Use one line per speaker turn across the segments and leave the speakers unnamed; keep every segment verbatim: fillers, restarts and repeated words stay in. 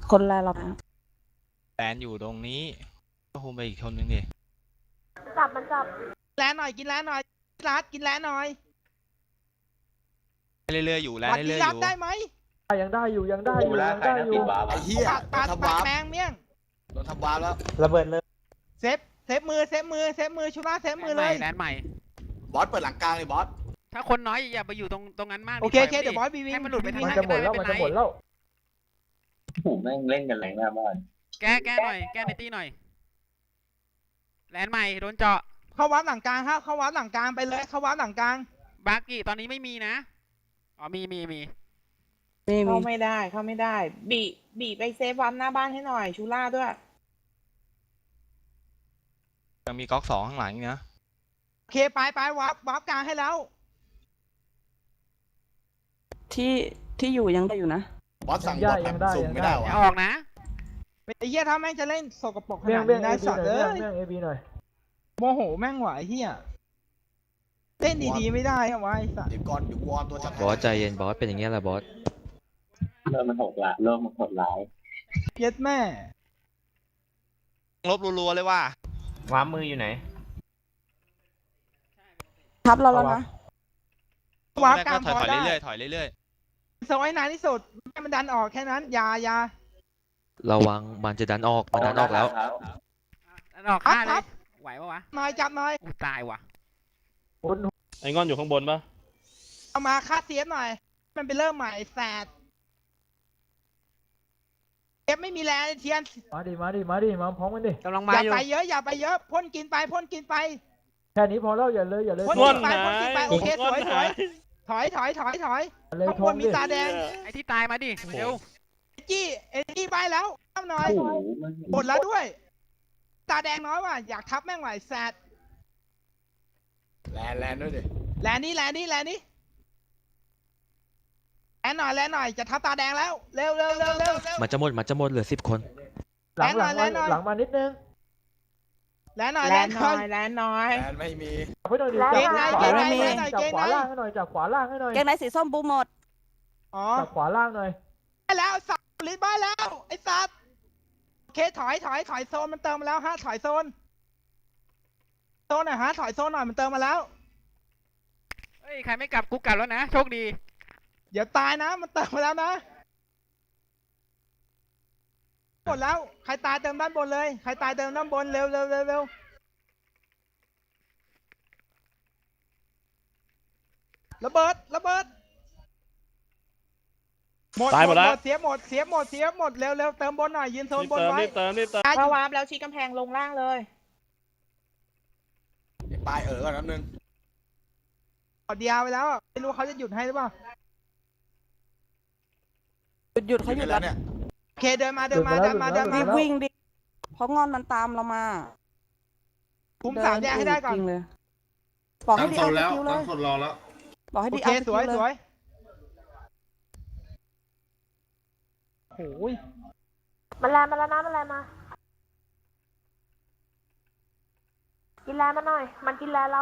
คนแรกเรานะ
แลนอยู่ตรงนี้ก็คงไปอีกคนนึงดิ
จับมันจับ
แลนหน่อยกินแลนหน่อยรัดกินแลนหน่อย
เรื่อยๆอยู่แลน
วัด
เรื่
ที่
อยๆ
รั
อบ ยู่
ได้ไหม
ยังได้อยู่ยังได้อยู่ยังได้อยู่
ไอ้เหี้ย
ปาด
โด
ปาน ด
ทำ
ปาด
วาร์ป
แมงเมี่ยง
โดนทำวาร์ปแล้ว
ระเบิดเลย
เซฟเซฟมือเซฟมือเซฟมือชุล่าเซฟมือเลย
แลนด์ใหม่
บอสเปิดหลังกลางเลยบอส
ถ้าคนน้อยอย่าไปอยู่ตรงตรงนั้นมาก
โอเคโอเคเดี๋ยวบอสบีวิง
ให้มันหลุดไปทาง
มัน
นั้น
จะหม
ก็
ด
ได้
แล้ว
ไม่
มัน
เป็น
จะ
ไร
หมดแล้ว
ผมแม่งเล่นกันแรงหน้าบ้าน
แก้แก้หน่อยแก้ในตีหน่อยแลนด์ใหม่โดนเจาะ
เข้าวัดหลังกลางครับเข้าวัดหลังกลางไปเลยเข้าวัดหลังกลาง
บาร์กี้ตอนนี้ไม่มีนะอ๋อมีมีมี
นี่มี
เข้าไม่ได้เข้าไม่ได้ บีบีไปเซฟวัมหน้าบ้านให้หน่อยชูล่าด้วย
ยังมีก๊อกสองข้างหลังอีกนะ
โอเคไปไปวับวับกลางให้แล้ว
ที่ที่อยู่ยังได้อยู่นะ
บอสสั่งบอสแบบสุ่มไม่ได้
อ
วะ
ย่าออกนะ
ไอ้เหี้ยถ้าแม่งจะเล่นสกปรกข
เบี้ยง
นาด
เบี้ยง
นี้
เอ
นะ
บี
สัตว์
หน่
เอ้
อย
ย
เบี้ยงเอบีหน่อย
โมโหแม่งไหวเหี้ยเล่นดีๆไม่ได้อะวะไอ้สัตว์
เดี๋ยวก่อนเดี๋ยววอร์มตัวจัด
บอสใจเย็นบอสเป็นอย่างเงี้ยแหละบอส
เริ่มมันโหดละเริ่มมันโหดร้าย
เพี้ยแม่
ลบรัวๆเลยว่า
ว้ามืออยู่ไหน
ทับเราแล้วนะ
วับ
แรก
กลา
ก็
ง
ถอย
พอ
ๆ
ได้
เรื่อยๆถอยเรื่อย
โซยนานที่สุดให้มันดันออกแค่นั้นอย่าอย่า
ระวังมันจะดันออกมันดันออกแล้ว
อันออกฆ่าเล
ครั
ย
บ
ไหวปะวะ
หน่อยจับหน่อย
อู้ตายว่ะ
คน
ไอ้งอนอยู่ข้างบนปะ
เอามาค่าเสียบหน่อย มันไปเริ่มใหม่แสดเอฟไม่มีแรงเทียน
มาดิมาดิมาดิมาพร้อมกันดิ
กำลัง
อ
มา
ย่า
อยู่
ไปเยอะอย่าไปเยอะพ่นกินไปพ่นกินไป
แค่นี้พอแล้วอย่าเลยอย่าเลย
พ่น
งอ
กิ
น
นไป
หาย
พ่นกินไปโอเคสวยสวยถอยถอยถอยถอย
อย่าเลย
ข้าง
ท
บ
ง
นมี
ดิ
ตาแดง
ไอ้ที่ตายมาดิเร็ว
เอจี้เอจี้ไปแล้วทำหน่อย
โอ้โหมัน
หมดแล้วด้วย ตาแดงน้อยว่ะอยากทับแม่งไหวแสด
แลนแลนด้วยดิ
แลนนี่แลนนี่แลนนี่แลนหน่อยแลนหน่อยจะทับตาแดงแล้วเร็วเร็วเร็วเร็ว
มันจะหมดมันจะหมดเหลือสิบคน
หลังหลัง
แลนหน่อย
หลังมานิดนึง
แลนหน่อย
แล
แล
น
น
ห
หน่
น่
อ
อย ยแลนน้อย
แลนไม่มี
จับให้หน่อยดิ
เก
จั
งใน
บขวา
เกงใน
ล่างจับขวาล่างให้หน่อยจับขวาล่างให้หน่อย
เกงในสีส้มบูมหมด
อ๋อ
จับขวาล่างหน่อย
ได้แล้วสัตว์ลิ้นบ้านแล้วไอ้สัตว์โอเคถอยถอยถอยโซนมันเติมมาแล้วฮะถอยโซนโซนหน่อยฮะถอยโซนหน่อยมันเติมมาแล้ว
เฮ้ยใครไม่กลับกูกลับแล้วนะโชคดี
เดี๋ยวตายนะมันเติมมาแล้วนะหมดแล้วใครตายเติมด้านบนเลยใครตายเติมด้านบนเร็วเร็วเร็วเร็วระเบิดระเบิดหมด
ตายหมดแล้ว
เสียหมดเสียหมดเสียหมดเร็วเร็วเติมบนหน่อยยืนโซน
รีบบ
น
เติม
ไว้
รีบเติมรีบเติม
เข้าวาร์ปแล้วชี้กำแพงลงล่างเลย
เดี๋ยวปลายเออก่อนแป๊บนึง
กดเดียวไปแล้วอะไม่รู้เขาจะหยุดให้หรือเปล่า
หยุดหยุดเขาหยุด
แล้
แล้ว ว
เนี่ย
โอเคเดินมาเดินมาเดินมาเดิน
รี
มา
บวิ่งดิเพราะงอนมันตามเรามา
คุมสามแยกให้ได้ก่อน
จริงเลยบอกให้ดีเอาสกิลเลย
คนรอแล้ว
บอกให้
โอ
ดี
เค
เอาส
ส
กิ
วย
ลเล
สวย ยโอ้ย
มันแลนมาแล้วนะมันแลนมา กินแลนมาหน่อย มันกินแลนเรา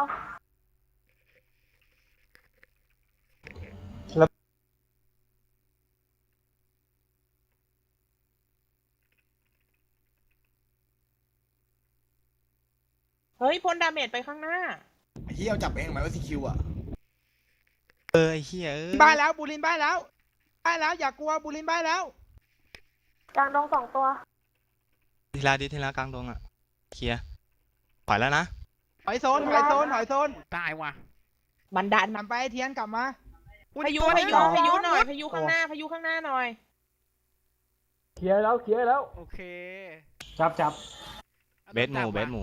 เฮ้ยพ่นดาเมจไปข้างหน้า
ไอ้เหี้ยเอาจับเองไหมว่าซีคิวอ่ะ
ๆเออไอ้เหี้ยเอ้ย
บ้านแล้วบูลินบ้านแล้วบ้านแล้วอย่ากลัวบูลินบ้านแล้ว
กลางดงสองตัว
ทีละดิทีละกลางตรงอ่ะเคลียร์ถอยแล้วนะ
ถอยโซนถอยโซนถอยโซน
ตายว่ะ
บันดาล
หันไปเทียนกลับมา
พายุพายุพายุหน่อย พายุข้างหน้า พายุข้างหน้าหน่อย
เคลียร์แล้วเคลียร์แล้ว
โอเค
จับจับ
เบสหมูเบสหมู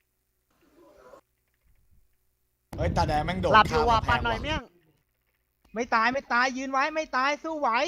เฮ้ยตาแดงแม่งโดด
หลับอยู่ว่ะ
ข้าม
ปัดหน่อย
กำแพง
เมี่ยง
ไม่ตายไม่ตายยืนไว้ไม่ตายสู้ไหว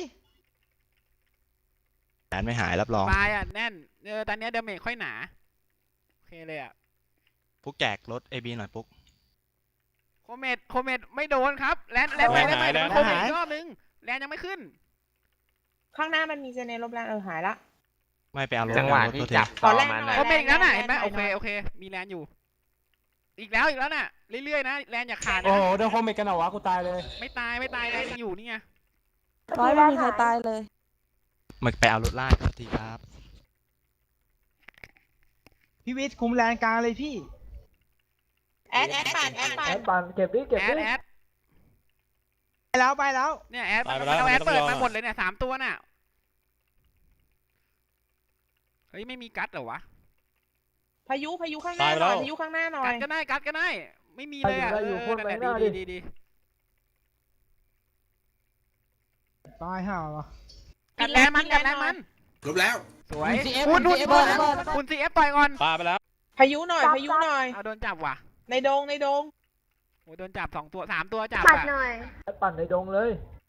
แลนไม่หายรับรอง
ปลายอ่ะแน่นเออตอนเนี้ยเดเมจค่อยหนาโอเคเลยอ่ะ
ปุ๊กแจกรถเอบีหน่อยปุ๊ก
โคเมดโคเมดไม่โดนครับแลนแลนไปแลนไปเดี๋ยวมันโคเมดอีกรอบนึงแลนยังไม่ขึ้น
ข้างหน้ามันมีเจเนลบแลนเออหายละ
ไม่ไปเอารถ
จังหวะ
เอารถ
ที่
ตัวเท
จับ
ขอแลน
มัน
หน่อย
โคเมดอีกแล้วน่ะเห็นไหม
แลน
โอเค
หน่อย
โอเคมีแลนอยู่ อีกแล้วอีกแล้วน่ะเรื่อยๆนะแลนอย่าขาด
โอ้
นะ
โหเดินโคมเมกันเหรอวะกูตายเลย
ไม่ตายไม่ตายแลนยังอยู่นี่ไง
ร้อยไม่มีใครตายเลย
มันไปเอารถไล่ครับทีครับ
พี่วิทย์คุมแลนกลางเลยพี่
แอดแอดปั่นแอดปั่
แอน ดปันเก็บดิเก็บ
แอ
ดิ
ดแอด
ไปแล้วไปแล้ว
เนี่ยแอด
ตายไป
มัน
แล้ว
เอาแอด
ไม่ต้อง
เปิด
รอ
มาหมดเลยเนี่ยสามตัวน่ะเฮ้ยไม่มีกัดเหรอวะ
พายุพายุข้างหน้าหน่อยพายุข้างหน้าหน่อ
กั
ย
ดก็ได้กัดก็ได้ไม่มีเลยอ่ะ
ได้อยู่
เอ
พ่
อน นั่น
ไป
แหละ
หน้า
ดี
ดิ
ดีดี
ตายห่าวะ
กัดแรงมันกัดแรงมัน
จบแล้ว
สวย
คุณ CF
คุณคุณ
คุณ
คุณ
CF
คุณซีเอฟต่อยก่อน
ปาไปแล้ว
พายุหน่อยพายุหน่อย
เอาโดนจับว่ะ
ในดงในดง
โอ้โดนจับสองตัวสามตัวจับ
ปัด
อ่ะ
หน่อย
แอดปั่นในดงเลย